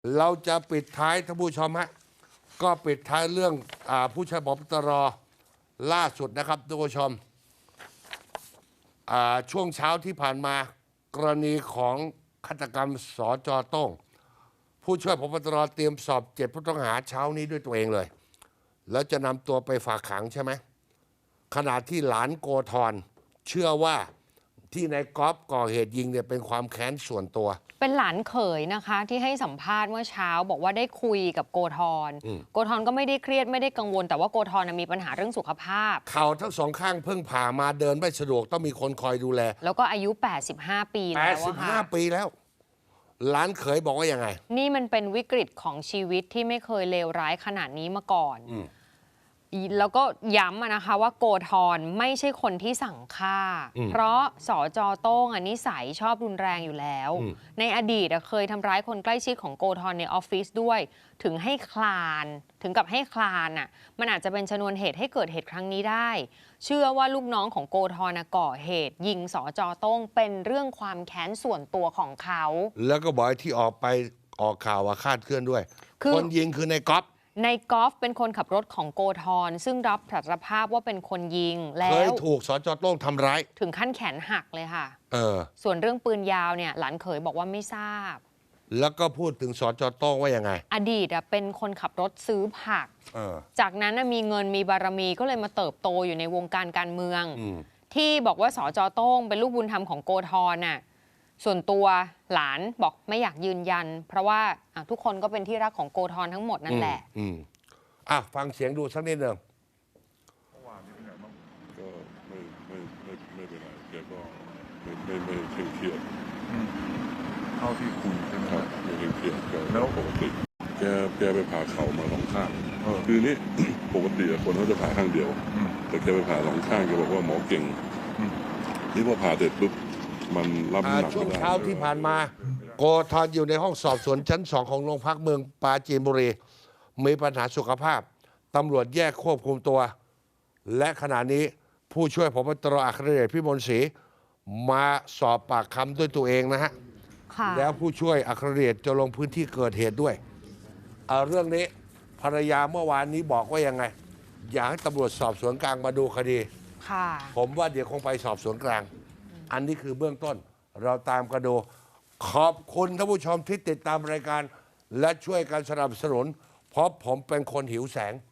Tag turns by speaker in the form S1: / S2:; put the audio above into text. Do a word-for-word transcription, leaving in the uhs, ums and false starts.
S1: เราจะปิดท้ายท่านผู้ชมฮะก็ปิดท้ายเรื่องอาผู้ช่วยผบตรล่าสุดนะครับท่านผู้ชมช่วงเช้าที่ผ่านมากรณีของฆาตกรรมสจโต้งผู้ช่วยผบตรเตรียมสอบเจ็ดผู้ต้องหาเช้านี้ด้วยตัวเองเลยแล้วจะนำตัวไปฝากขังใช่ไหมขณะที่หลานโกธรเชื่อว่าที่นายก๊อฟก่อเหตุยิงเนี่ยเป็นความแค้นส่วนตัว
S2: เป็นหลานเขยนะคะที่ให้สัมภาษณ์เมื่อเช้าบอกว่าได้คุยกับโกธรโกธรก็ไม่ได้เครียดไม่ได้กังวลแต่ว่าโกธรมีปัญหาเรื่องสุขภาพ
S1: เข่าทั้งสองข้างเพิ่งผ่ามาเดินไม่สะดวกต้องมีคนคอยดูแล
S2: แล้วก็อายุแปดสิบห้าปีแล้ว
S1: แปดสิบห้าปีแล้วหลานเขยบอกว่ายังไง
S2: นี่มันเป็นวิกฤตของชีวิตที่ไม่เคยเลวร้ายขนาดนี้มาก่อนแล้วก็ย้ำนะคะว่าโกธรไม่ใช่คนที่สั่งฆ่าเพราะสจโต้งนิสัยชอบรุนแรงอยู่แล้วในอดีตเคยทำร้ายคนใกล้ชิดของโกธรในออฟฟิศด้วยถึงให้คลานถึงกับให้คลานอ่ะมันอาจจะเป็นชนวนเหตุให้เกิดเหตุครั้งนี้ได้เชื่อว่าลูกน้องของโกธรก่อเหตุยิงสจโต้งเป็นเรื่องความแค้นส่วนตัวของเขา
S1: แล้วก็บอกที่ออกไปออกข่าวว่าคาดเคลื่อนด้วยคนยิงคือในก๊อฟ
S2: ในกอล์ฟเป็นคนขับรถของโกธรซึ่งรับสารภาพว่าเป็นคนยิงแล้ว
S1: เคยถูกสจโต้งทำร้าย
S2: ถึงขั้นแขนหักเลยค่ะ
S1: เออ
S2: ส่วนเรื่องปืนยาวเนี่ยหลานเขยบอกว่าไม่ทราบ
S1: แล้วก็พูดถึงสจโต้งว่ายังไง
S2: อดีตเป็นคนขับรถซื้อผักจากนั้นมีเงินมีบารมีก็เลยมาเติบโตอยู่ในวงการการเมืองที่บอกว่าสจโต้งเป็นลูกบุญธรรมของโกธรน่ะส่วนตัวหลานบอกไม่อยากยืนยันเพราะว่าทุกคนก็เป็นที่รักของโกธรทั้งหมดนั่นแหละ
S1: อ่ะฟังเสียงดูสักนิดหนึ่ง
S3: เมื่อวานนี้เป็นไงบ้างก็ไม่ไม่ไม่ไม่เป็นไรแกก็ไม่ไม่ไม่เคร่งเครียด
S4: เท่าที่คุยใช่ไหมครับ
S3: ไม่เคร่งเครียดก็แล้วปกติแกแกไปผ่าเข่ามาสองข้างคือนี้ ปกติคนเขาจะผ่าข้างเดียวแต่แกไปผ่าสองข้างแกบอกว่าหมอเก่งนี่พอผ่าเสร็จปุ๊บมันรับน้ำหนัก
S1: ช่วงเช้าที่ผ่านมาโกธรอยู่ในห้องสอบสวนชั้นสองของโรงพักเมืองปราจีนบุรีมีปัญหาสุขภาพตำรวจแยกควบคุมตัวและขณะนี้ผู้ช่วยผบตรอัครเดชพิมลศรีมาสอบปากคำด้วยตัวเองนะฮะแล้วผู้ช่วยอัครเดชจะลงพื้นที่เกิดเหตุด้วยเอาเรื่องนี้ภรรยาเมื่อวานนี้บอกว่ายังไงอยากให้ตำรวจสอบสวนกลางมาดูคดีผมว่าเดี๋ยวคงไปสอบสวนกลางอันนี้คือเบื้องต้นเราตามกันดูขอบคุณท่านผู้ชมที่ติดตามรายการและช่วยกันสนับสนุนเพราะผมเป็นคนหิวแสง